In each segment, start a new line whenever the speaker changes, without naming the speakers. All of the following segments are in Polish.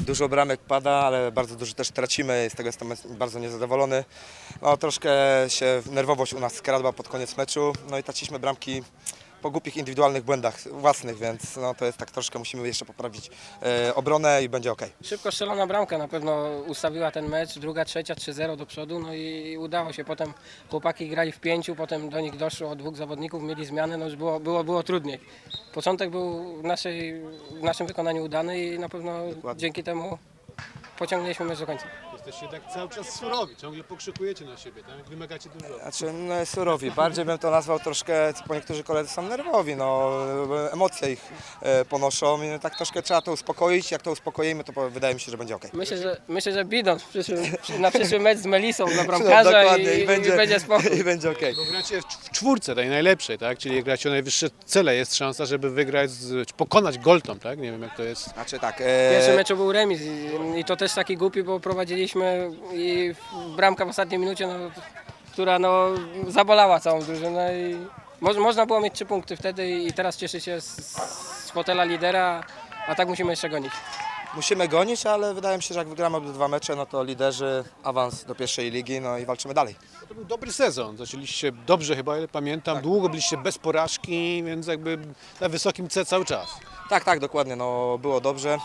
Dużo bramek pada, ale bardzo dużo też tracimy, z tego jestem bardzo niezadowolony. No, troszkę się nerwowość u nas skradła pod koniec meczu, no i traciliśmy bramki po głupich indywidualnych błędach własnych, więc no, to jest tak troszkę, musimy jeszcze poprawić obronę i będzie ok.
Szybko strzelona bramka na pewno ustawiła ten mecz, druga, trzecia, 3-0 do przodu, no i udało się. Potem chłopaki grali w 5, potem do nich doszło 2 zawodników, mieli zmiany, no już było trudniej. Początek był w naszym wykonaniu udany i na pewno
Dokładnie.
dzięki temu pociągnęliśmy mecz do końca.
Jesteście tak cały czas surowi, ciągle pokrzykujecie na siebie, tak? Wymagacie dużo.
Znaczy, no, surowi, bardziej bym to nazwał troszkę, bo niektórzy koledzy są nerwowi, no, emocje ich ponoszą i tak troszkę trzeba to uspokoić, jak to uspokoimy, to wydaje mi się, że będzie ok.
Myślę, że Bidon na przyszły mecz z Melisą dla bramkarza
Dokładnie,
i będzie spokój.
i będzie ok.
Bo gracie w czwórce tej najlepszej, tak? Czyli gracie o najwyższe cele, jest szansa, żeby wygrać, czy pokonać Goltom, tak? Nie wiem jak to jest.
Znaczy tak,
W pierwszym meczu był remis i to też taki głupi, bo prowadziliśmy i bramka w ostatniej minucie, no, która no, zabolała całą drużynę i można było mieć 3 punkty wtedy i teraz cieszy się z fotela lidera, a tak musimy jeszcze gonić.
musimy gonić, ale wydaje mi się, że jak wygramy obydwa mecze, no to liderzy, awans do pierwszej ligi, no i walczymy dalej.
To był dobry sezon, zaczęliście dobrze chyba, ile pamiętam, długo byliście bez porażki, więc jakby na wysokim C cały czas.
Tak, dokładnie, no było dobrze,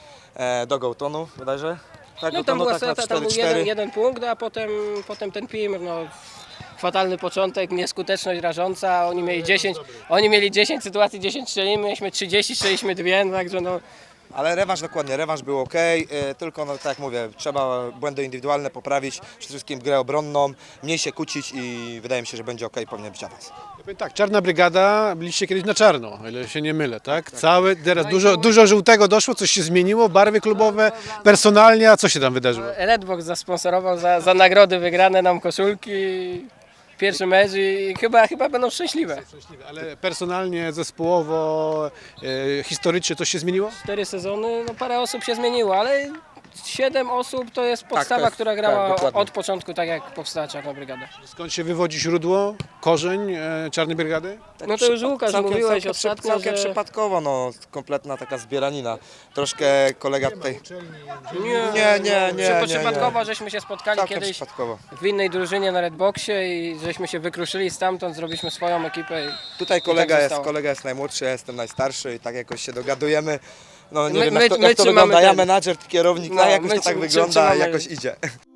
do Gołtonu bodajże. Tak,
No tam
Gołtonu,
była
tak, na
strata, tam był
4-4.
jeden punkt, a potem ten Pimr, no fatalny początek, nieskuteczność rażąca, oni mieli 10 sytuacji, 10 strzelimy, mieliśmy 30, strzeliśmy 2, no, także no
Ale rewanż dokładnie, rewanż był ok, tylko no, tak jak mówię, trzeba błędy indywidualne poprawić, przede wszystkim grę obronną, mniej się kłócić i wydaje mi się, że będzie ok, powinien być awans.
Ja powiem tak, Czarna Brygada, byliście kiedyś na czarno, o ile się nie mylę, tak? Cały, teraz dużo żółtego doszło, coś się zmieniło, barwy klubowe, personalnie, a co się tam wydarzyło?
Redbox zasponsorował za nagrody wygrane nam koszulki, pierwszy mecz i chyba będą szczęśliwe.
Szczęśliwe, ale personalnie, zespołowo, historycznie coś się zmieniło?
4 sezony, no parę osób się zmieniło, ale 7 osób to jest podstawa,
jest-
która
tak,
grała
dokładnie.
od początku, tak jak powstała Czarna Brygada.
Skąd się wywodzi źródło, korzeń Czarnej Brygady?
No to już Łukasz mówiłeś ostatnio,
całkiem
że...
przypadkowo, no, kompletna taka zbieranina. Troszkę kolega tutaj... Nie.
Przypadkowo żeśmy się spotkali
Całkiem
kiedyś
przypadkowo.
w innej drużynie na Redboxie i żeśmy się wykruszyli stamtąd, zrobiliśmy swoją ekipę.
Tutaj
tak
kolega jest najmłodszy, ja jestem najstarszy i tak jakoś się dogadujemy. No nie
My-
wiem
my-
jak to
my
wygląda,
trzymamy
ja
ten-
menadżer, kierownik,
No,
tak jakoś
my
to tak
trzy-
wygląda,
trzymamy-
jakoś idzie.